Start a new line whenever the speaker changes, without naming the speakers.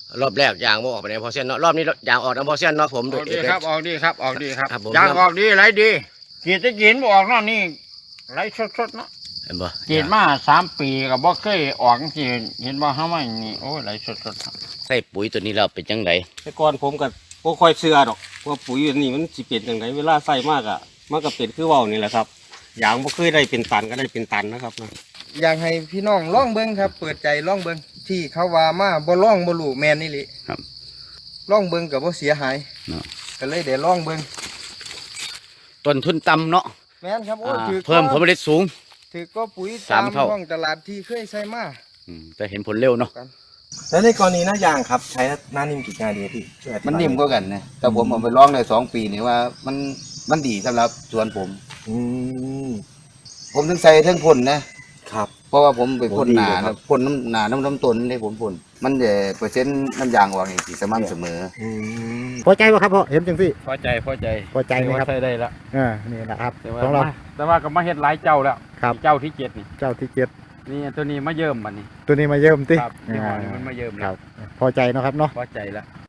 รอบแรกยางบ่ออกไปไหนพอเส้นเนาะรอบนี้ยางออกนะพอเส้นเนาะผม
ออกดีครับออกดีครับออกดีครับ
ครับผม
ยางออกดีไหลดีกีดจะกินบ่ออกเนาะนี่ไหลสดๆเนาะ
เห็นบ่
กีดมา3 ปีก็บ่เคยออกจังซี่เห็นบ่เฮามานี่โอ้ยไหลสดๆครับ
ใส่ปุ๋ยตัวนี้เราเป็นจังได
แต่ก่อนผมก็บ่ค่อยเชื่อดอกว่าปุ๋ยอันนี้มันสิเป็นจังไดเวลาใส่มากอะมันก็เป็นคือเว้านี่แหละครับยางบ่เคยได้เป็นตันก็ได้เป็นตันนะครับนะ
อยากให้พี่น้องล่องเบิ้งครับ เปิดใจล่องเบิ้งที่เขาว่ามาบ่ล่องบ่รู้แมนนี่ลิ
ครับ
ล่องเบิ้งกับบ่เสียหาย
เนาะ
ก็เลยได้ล่องเบิ้ง
ต้นทุนต่ำเนาะ
แม่นครับโอ้ถือ
เพิ่มผลผลิตสูง
ถือก็ปุ๋ย
สาม
ตาม
เท่า
ท้องตลาดที่เคยใช้มา
แต่เห็นผลเร็วเนาะ
แล้วในกรณีหน้ายางครับใช้หน้านิ่มกี่งานดีพี่ช่วยอธิบาย
มันนิ่มกว่ากันนะแต่ผมเอาไปลองได้2 ปีนี่ว่ามันดีสำหรับสวนผม
อืม
ผมถึงใส่ทั้งพ่นนะครับ เพราะว่าผมไปพ่น
โอ้ดี
หนา
เลยครับ
พ่นน้ำต้นเลยผมพ่นมันจะเปอร์เซ็นต์น้ำยางออกนี่สิสม่ำเสมอ
อืม
พอใจป่ะครับพ่อเห็นจังสิ
พอใจพอใจ
พอใจไหมครับ
ใช้ได้แล้ว
นี่นะครับ
แต่ว่า
ของเรา
แต่ว่าก็มาเฮ็ดหลายเจ้าแล้ว
ครับ
เจ้าที่7นี่
เจ้าที่เจ็ด
นี่ตัวนี้มาเยิ่มบัดนี้
ตัวนี้มาเยิ่มติ
ครับยี่ห้อนี้มันมาเยิ่ม
ค
แล้
รั
ว
บพอใจเนาะครับเนาะ
พอใจแล้ว